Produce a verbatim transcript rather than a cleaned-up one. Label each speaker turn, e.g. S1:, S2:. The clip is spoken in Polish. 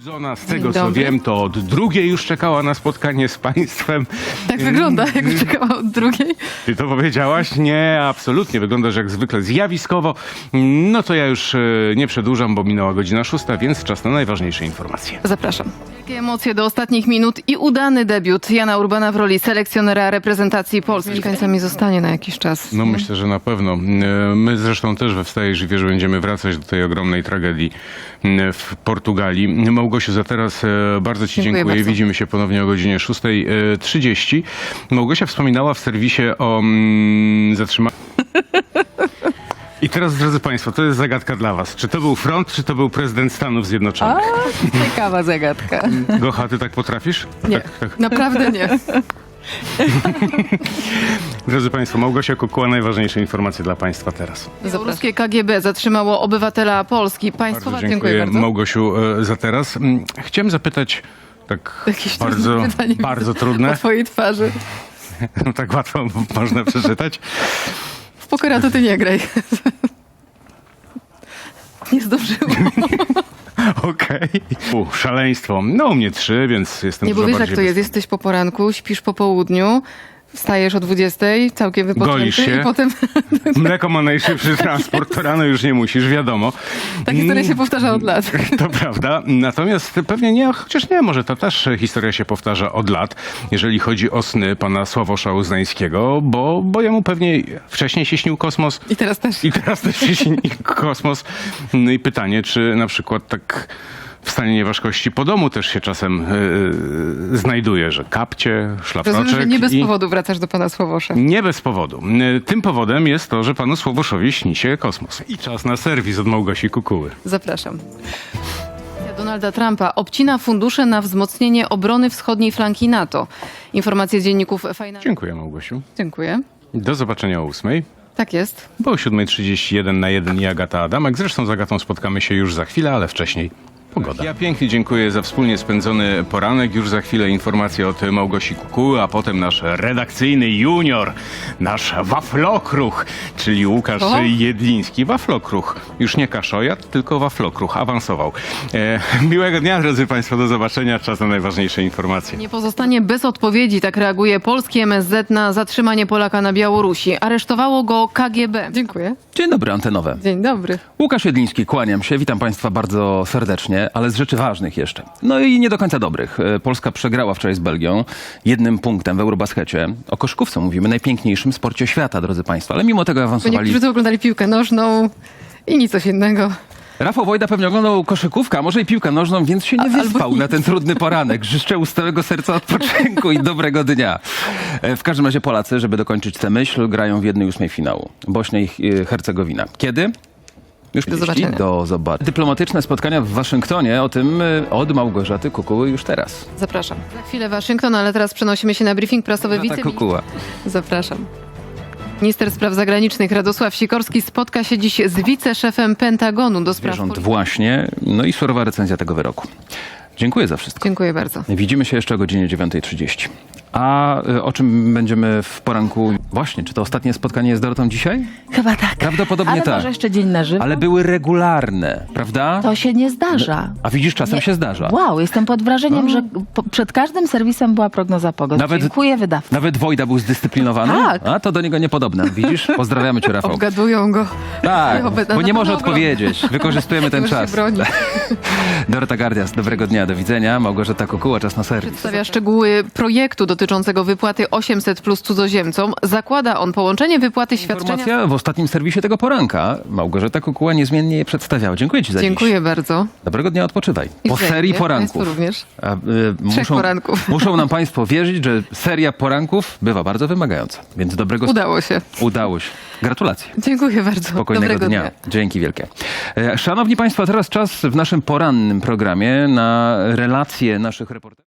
S1: Zona, z tego co wiem, to od drugiej już czekała na spotkanie z państwem.
S2: Tak wygląda, jak czekała od drugiej.
S1: Ty to powiedziałaś? Nie, absolutnie. Wyglądasz jak zwykle zjawiskowo. No to ja już e, nie przedłużam, bo minęła godzina szósta, więc czas na najważniejsze informacje.
S2: Zapraszam. Wielkie emocje do ostatnich minut i udany debiut Jana Urbana w roli selekcjonera reprezentacji Polski. Mieszkańcami zostanie na jakiś czas.
S1: No myślę, że na pewno. E, My zresztą też we Wstajesz i Wierz będziemy wracać do tej ogromnej tragedii e, w Portugalii. Małgosiu, za teraz e, bardzo Ci
S2: Dziękuję
S1: dziękuję.
S2: bardzo.
S1: Widzimy się ponownie o godzinie szóstej trzydzieści. Małgosia wspominała w serwisie o mm, zatrzymaniu. I teraz, drodzy Państwo, to jest zagadka dla Was. Czy to był front, czy to był prezydent Stanów Zjednoczonych?
S3: A, ciekawa zagadka.
S1: Gocha, ty tak potrafisz?
S2: Nie,
S1: Tak, tak.
S2: naprawdę nie.
S1: Drodzy Państwo, Małgosia Kukuła, najważniejsze informacje dla Państwa teraz.
S2: Białoruskie K G B zatrzymało obywatela Polski. Państwowa,
S1: Bardzo
S2: dziękuję,
S1: dziękuję,
S2: bardzo.
S1: Małgosiu, e, za teraz. Mm, Chciałem zapytać, tak
S2: Jakieś
S1: bardzo,
S2: trudne pytanie
S1: bardzo
S2: widzę
S1: trudne,
S2: Po twojej twarzy.
S1: no tak łatwo można przeczytać.
S2: W pokera to ty nie graj. Nie zdążyłam.
S1: Okej. U, Szaleństwo. No u mnie trzy, więc jestem
S2: Nie, bo
S1: dużo
S2: wiesz jak
S1: bardziej
S2: to jest.
S1: bez-
S2: Jesteś po poranku, śpisz po południu, wstajesz o dwudziestej, całkiem wypoczęty
S1: Golisz się.
S2: i potem
S1: Mleko ma najszybszy transport, to rano już nie musisz, wiadomo.
S2: ta historia się powtarza od lat.
S1: To prawda, natomiast pewnie nie, chociaż nie, może ta też historia się powtarza od lat, jeżeli chodzi o sny pana Sławosza Uznańskiego, bo, bo jemu pewnie wcześniej się śnił kosmos
S2: I teraz też.
S1: i teraz też się śni kosmos. No i pytanie, czy na przykład tak w stanie nieważkości po domu też się czasem yy, znajduje, że kapcie, szlafroczek
S2: Rozumiem, że nie bez
S1: i...
S2: powodu wracasz do pana Sławosza.
S1: Nie bez powodu. Tym powodem jest to, że panu Sławoszowi śni się kosmos. I czas na serwis od Małgosi Kukuły.
S2: Zapraszam. Donalda Trumpa obcina fundusze na wzmocnienie obrony wschodniej flanki NATO. Informacje z dzienników Financial.
S1: Dziękuję, Małgosiu.
S2: Dziękuję.
S1: Do zobaczenia o ósmej.
S2: Tak jest.
S1: Bo o siódmej trzydzieści jeden na jeden i Agata Adamek. Zresztą z Agatą spotkamy się już za chwilę, ale wcześniej pogoda. Ja pięknie dziękuję za wspólnie spędzony poranek. Już za chwilę informacje od Małgosi Kukuły, a potem nasz redakcyjny junior, nasz waflokruch, czyli Łukasz
S2: O?
S1: Jedliński. Waflokruch. Już nie kaszojat, tylko waflokruch. Awansował. E, miłego dnia, drodzy Państwo. Do zobaczenia. Czas na najważniejsze informacje.
S2: Nie pozostanie bez odpowiedzi, tak reaguje polski M S Z na zatrzymanie Polaka na Białorusi. Aresztowało go K G B. Dziękuję.
S4: Dzień dobry, antenowe.
S2: Dzień dobry.
S4: Łukasz Jedliński, kłaniam się. Witam Państwa bardzo serdecznie, ale z rzeczy ważnych jeszcze. No i nie do końca dobrych. E, Polska przegrała wczoraj z Belgią jednym punktem w Eurobaskecie. O koszykówce mówimy, najpiękniejszym sporcie świata, drodzy Państwo. Ale mimo tego
S2: Bo
S4: awansowali...
S2: niektórzy to oglądali piłkę nożną i nic coś innego.
S4: Rafał Wojda pewnie oglądał koszykówkę, a może i piłkę nożną, więc się nie
S2: A-
S4: wyspał
S2: albo
S4: na
S2: nic.
S4: ten trudny poranek. Życzę z całego serca odpoczynku i dobrego dnia. E, W każdym razie Polacy, żeby dokończyć tę myśl, grają w jednej ósmej finału. Bośnia i e, Hercegowina. Kiedy? Już
S2: Do
S4: trzydzieści.
S2: zobaczenia.
S4: Do zobaczenia. Dyplomatyczne spotkania w Waszyngtonie, o tym y, od Małgorzaty Kukuły już teraz.
S2: Zapraszam. Za chwilę Waszyngton, ale teraz przenosimy się na briefing prasowy
S4: Małgorzata
S2: wiceministra.
S4: Kukuła.
S2: Zapraszam. Minister spraw zagranicznych Radosław Sikorski spotka się dziś z wiceszefem Pentagonu do spraw
S4: Zwierząt
S2: polityki.
S4: właśnie, no i surowa recenzja tego wyroku. Dziękuję za wszystko.
S2: Dziękuję bardzo.
S4: Widzimy się jeszcze o godzinie dziewiątej trzydzieści. A y, o czym będziemy w poranku? Właśnie, czy to ostatnie spotkanie z Dorotą dzisiaj?
S3: Chyba tak.
S4: Prawdopodobnie
S3: Ale
S4: tak.
S3: może jeszcze dzień na żywo?
S4: Ale były regularne, prawda?
S3: To się nie zdarza.
S4: A widzisz, czasem
S3: Nie.
S4: się zdarza.
S3: Wow, jestem pod wrażeniem, że po, przed każdym serwisem była prognoza pogody.
S4: Nawet-
S3: Dziękuję wydawcy.
S4: Nawet Wojda był zdyscyplinowany?
S3: Tak.
S4: A to do niego niepodobne. Widzisz? Pozdrawiamy cię, Rafał.
S2: Obgadują go.
S4: Tak,
S2: Obe-
S4: bo nie
S2: na
S4: może
S2: pewno
S4: odpowiedzieć. Wykorzystujemy ten
S2: Już się
S4: czas.
S2: broni.
S4: Dorota Gardias, dobrego dnia, do widzenia. Małgorzata Kukuła, czas na serwis.
S2: Przedstawia szczegóły projektu dotyczącego wypłaty osiemset plus cudzoziemcom. Zakłada on połączenie wypłaty świadczenia...
S4: Informacja w ostatnim serwisie tego poranka. Małgorzata Kukuła niezmiennie je przedstawiała. Dziękuję ci za
S2: Dziękuję
S4: dziś.
S2: bardzo.
S4: Dobrego dnia, odpoczywaj.
S2: I
S4: Po
S2: wzajemnie.
S4: serii
S2: Państwu
S4: poranków.
S2: również.
S4: A, y,
S2: Trzech
S4: muszą,
S2: poranków.
S4: muszą nam Państwo wierzyć, że seria poranków bywa bardzo wymagająca. Więc dobrego...
S2: Udało się.
S4: Udało się. Gratulacje.
S2: Dziękuję bardzo.
S4: Spokojnego
S2: Dobrego
S4: dnia. Dzięki wielkie. E, Szanowni Państwo, teraz czas w naszym porannym programie na relacje naszych reporterów.